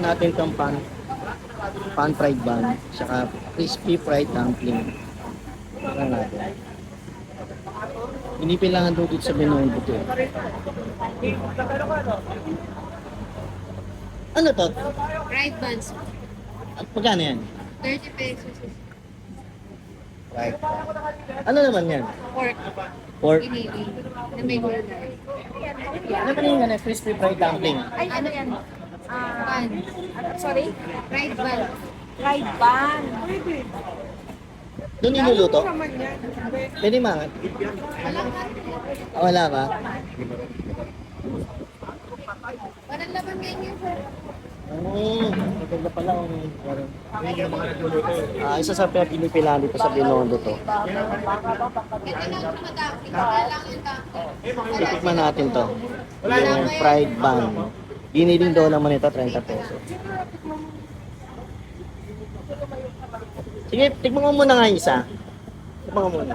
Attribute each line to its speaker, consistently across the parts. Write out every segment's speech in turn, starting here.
Speaker 1: Tikman natin itong pan fried bun, saka crispy fried dumpling. Tikman natin. Pinipilangan doon dito sa Binondo to. Ano to?
Speaker 2: Fried buns.
Speaker 1: Magkano yan?
Speaker 2: 30 pesos.
Speaker 1: Right. Ano naman yan?
Speaker 2: Pork.
Speaker 1: Pork.
Speaker 2: Iniwi. Na may gulay.
Speaker 1: Ano ba yung crispy fried dumpling?
Speaker 2: Ay, ano yan? Bun.
Speaker 3: Sorry?
Speaker 2: Fried bun.
Speaker 3: Fried bun.
Speaker 1: Doon niluluto? Pwede mangat.
Speaker 2: Walang
Speaker 1: Wala ba?
Speaker 2: walang laman ngayon.
Speaker 1: Maganda pala kung isa sa pinipilan dito sa Binondo to.
Speaker 2: Ito lang madami. Kailangan lang.
Speaker 1: Titikman natin to. Yung fried bun. Giniling daw naman ito, 30 pesos. Sige, tikman mo muna nga isa. Tikman mo muna.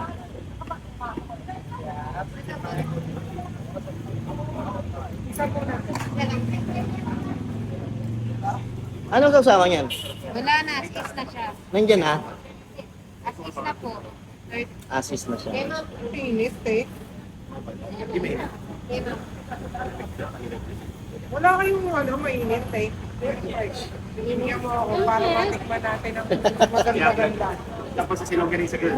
Speaker 1: Anong kasama niyan?
Speaker 2: Wala na. Asis na siya.
Speaker 1: Nandyan ha?
Speaker 2: Asis na po.
Speaker 1: Asis na siya.
Speaker 2: Kaya ma'am.
Speaker 3: Pinit eh.
Speaker 2: Kaya ma'am.
Speaker 3: Wala kayong mainit eh. Hinihingyan mo ako para matikman natin ang maganda-ganda.
Speaker 4: Tapos sa silong galing sa girl.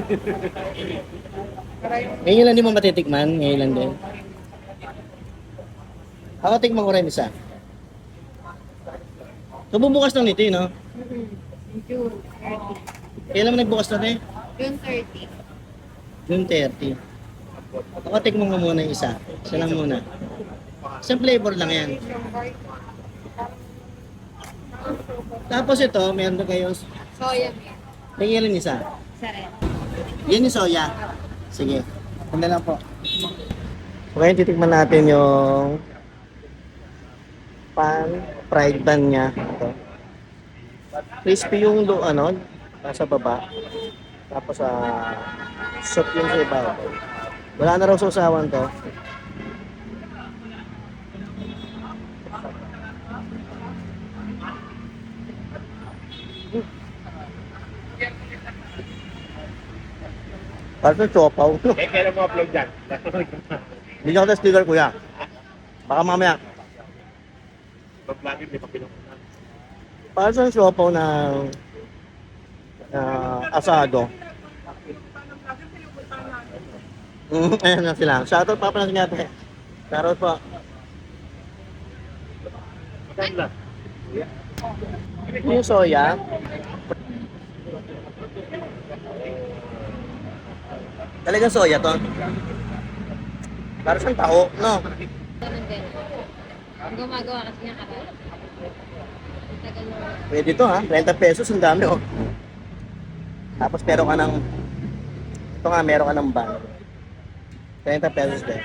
Speaker 3: Para yung
Speaker 1: Ngayon lang di mo matitikman, ngayon lang din. Ako tikman ko rin isa. Kabubukas lang nito no?
Speaker 2: June 30.
Speaker 1: Kailan mo nagbukas na rin?
Speaker 2: June 30.
Speaker 1: June 30. Ako tikman ko muna yung isa. Isa lang muna. Isang flavor lang yan.
Speaker 3: Shanghai.
Speaker 1: Tapos ito, meron na kayo.
Speaker 2: Soya milk.
Speaker 1: Tingnan isa.
Speaker 2: Isa rin.
Speaker 1: Yan yung soya. Sige. Ano lang po. Okay, titikman natin yung pan fried bun niya. Ito. Crispy yung nasa baba. Tapos soup yung sa ibabaw. Wala na raw sausawan to. Parang chopaw.
Speaker 4: Kailan mo upload dyan?
Speaker 1: Hindi ako sa sticker, kuya. Baka mamaya.
Speaker 4: Pag-vlogin, may papilong.
Speaker 1: Parang sa siopaw na asado. Ayan na sila. Shoutout pa pala sa natin. Shoutout po.
Speaker 4: Ganda.
Speaker 1: Yung soya. Talagang soya to. Parang siyang tao, no?
Speaker 2: Ganun din. Ang gumagawa kasi niya karal. Tagal mo.
Speaker 1: Pwede to ha. 30 pesos, ang dami oh. Tapos meron ka ng meron ka ng bang. 30 pesos din.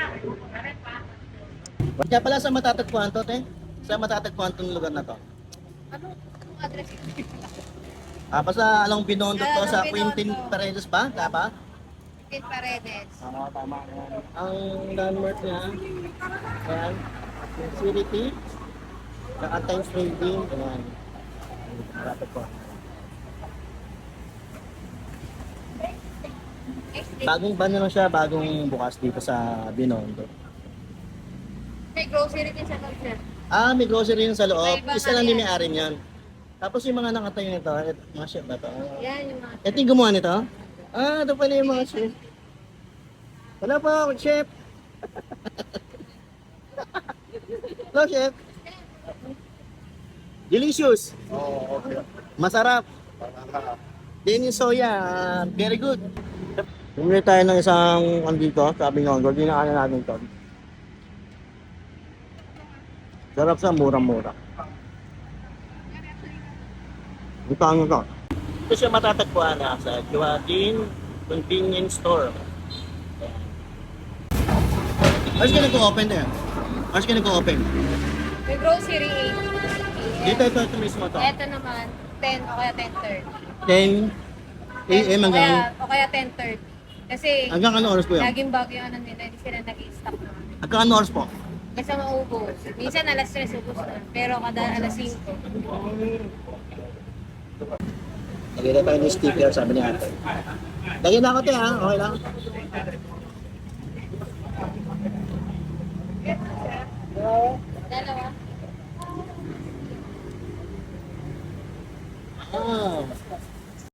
Speaker 1: Kaya pala sa matatagpuan to, te? Sa matatagpuan tong lugar na to?
Speaker 2: Anong address?
Speaker 1: Basta along Binondo to
Speaker 2: Along
Speaker 1: sa
Speaker 2: Binondo.
Speaker 1: Quintin Paredes ba? Tama?
Speaker 2: Pin Paredes.
Speaker 1: Tama. Ang landmark niya, ayan, Facility, saka Times Trading, ayan. Matatagpuan. Bagong ban na lang siya, bagong bukas dito sa Binondo.
Speaker 2: May grocery din sa concert.
Speaker 1: May grocery yun sa loob.
Speaker 2: May iba
Speaker 1: Isa
Speaker 2: pa
Speaker 1: lang din
Speaker 2: yan.
Speaker 1: may-ari niyan. Tapos yung mga nakatayo nito, mga chef ba to?
Speaker 2: Yan yung mga...
Speaker 1: Ito yung gumawa nito? Ito pala yung mga chef. Wala po, chef. Hello, chef. Delicious.
Speaker 4: Oo, okay.
Speaker 1: Masarap. Din yung soya, very good. Bumili tayo ng isang andito, sabi nga, dinaanan natin ito. Sarap sa murang-mura. Ito ano to? Ito siya matatagpuan sa Joaquin Convenience Store. Hours ka nag-open there? Hours ka nag-open?
Speaker 2: May grocery 8.
Speaker 1: Ito mismo to.
Speaker 2: Ito naman, 10 o kaya
Speaker 1: 10
Speaker 2: 10:30.
Speaker 1: AM hanggang...
Speaker 2: O kaya 10:30. Kasi
Speaker 1: Hanggang ano oras po yan?
Speaker 2: laging bago yung ano nila, hindi sila nag-i-stock naman.
Speaker 1: Hanggang ano oras po?
Speaker 2: Basta maubos. Minsan alas 3 ubos na. Pero kada alas 5.
Speaker 1: Lagyan na tayo ng sticker, sabi ni ate. Lagyan na ako te ha, okay lang.
Speaker 2: Dalawa.
Speaker 1: Ah,